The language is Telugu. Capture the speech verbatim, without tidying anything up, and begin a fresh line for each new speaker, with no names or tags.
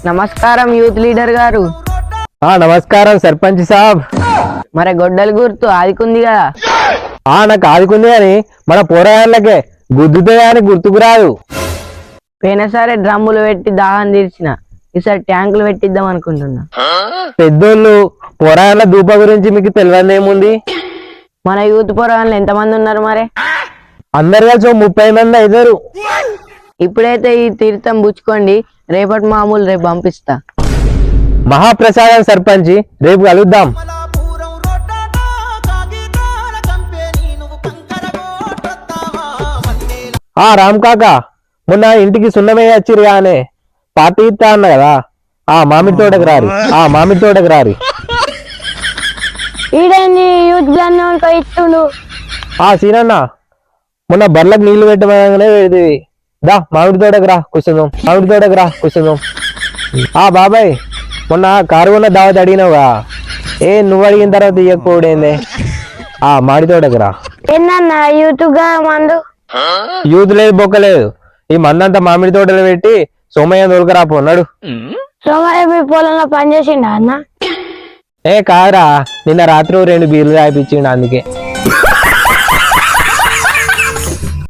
నమస్కారం యూత్ లీడర్ గారు.
ఆ నమస్కారం సర్పంచ్ సాబ్.
మరి గొడ్డలి గుర్తు ఆదికుంది కదా?
ఆ నాకు ఆదుకుంది కానీ మన పోరాళ్ళకే గుద్దుతే కానీ గుర్తుకు రాదు.
పోయినసారి డ్రమ్ములు పెట్టి దాహం తీర్చిన, ఈసారి ట్యాంకులు పెట్టిద్దాం అనుకుంటున్నా.
పెద్దోళ్ళు పోరాళ్ళ దూప గురించి మీకు తెలియదు ఏముంది?
మన యూత్ పోరాళ్ళు ఎంతమంది ఉన్నారు మరి?
అందరు కలిసి ఓ ముప్పై మంది అవుతారు.
ఇప్పుడైతే ఈ తీర్థం పుచ్చుకోండి, రేపటి మామూలు రేపు పంపిస్తా.
మహాప్రసాదం సర్పంచి, రేపు కలుద్దాం. ఆ రామ్ కాక, మొన్న ఇంటికి సున్నమే వచ్చిరు కానీ పార్టీ ఇస్తా అన్న కదా, ఆ మామిడి తోటకు రారి, ఆ మామిడి తోటకు రారి.
ఈడేంది యూత్ ఇస్తుండు?
ఆ సీనన్న, మొన్న బర్లకు నీళ్లు పెట్టమనగానే పెడితే దా మామిడి తోటకు రా కూర్చుందాం, మామిడి తోటకు రా కూర్చుందాం. ఆ బాబాయ్, మొన్న కారు ఉన్న దావత్ అడిగినావుగా, ఏ నువ్వు అడిగిన తర్వాత ఇయ్యకపోవడేందే? ఆ మామిడి తోటకు రా.
ఏందన్నా యూత్ గా మందు?
యూత్ లేదు బొక్కలేదు, ఈ మందంతా మామిడి తోటలు పెట్టి సోమయ్య తోలుకరా పోన్నాడు.
సోమయ్య మీ పొలంలో పనిచేసిండా అన్న?
ఏ కాదురా, నిన్న రాత్రి రెండు బీర్లు తాగిపించిండు అందుకే.